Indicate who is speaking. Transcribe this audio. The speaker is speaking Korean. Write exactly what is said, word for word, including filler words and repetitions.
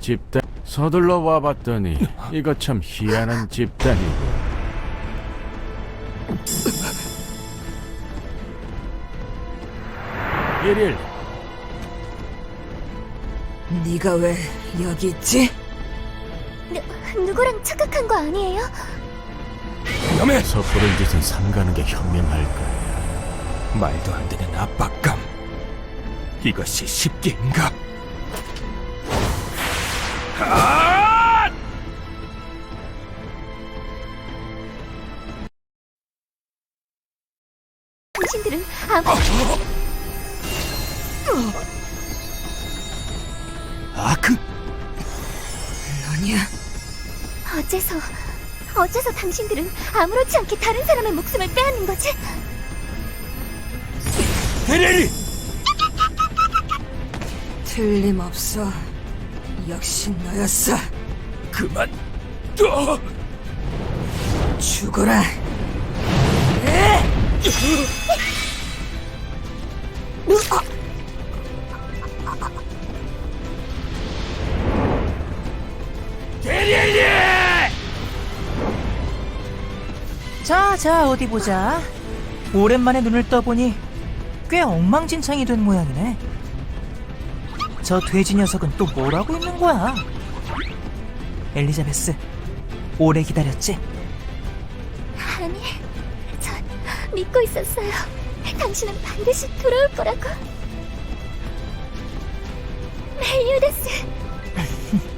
Speaker 1: 집단 서둘러 와봤더니 이거 참 희한한 집단이고. 일일
Speaker 2: 네가 왜 여기 있지?
Speaker 3: 누, 누구랑 착각한 거 아니에요?
Speaker 4: 위험해!
Speaker 1: 섣부른 짓은 삼가는 게 현명할 거야.
Speaker 4: 말도 안 되는 압박감. 이것이 쉽게인가? 아!
Speaker 3: 당신들은 아무
Speaker 4: 아크!
Speaker 2: 아니야.
Speaker 3: 어째서 어째서 당신들은 아무렇지 않게 다른 사람의 목숨을 빼앗는 거지?
Speaker 4: 데레리!
Speaker 2: 틀림없어. 역시 너였어.
Speaker 4: 그만! 어!
Speaker 2: 죽어라.
Speaker 5: 자, 자, 어디 보자. 오랜만에 눈을 떠보니 꽤 엉망진창이 된 모양이네. 저 돼지 녀석은 또 뭘 하고 있는 거야? 엘리자베스, 오래 기다렸지?
Speaker 3: 아니, 전 믿고 있었어요. 당신은 반드시 돌아올 거라고. 멜리오다스,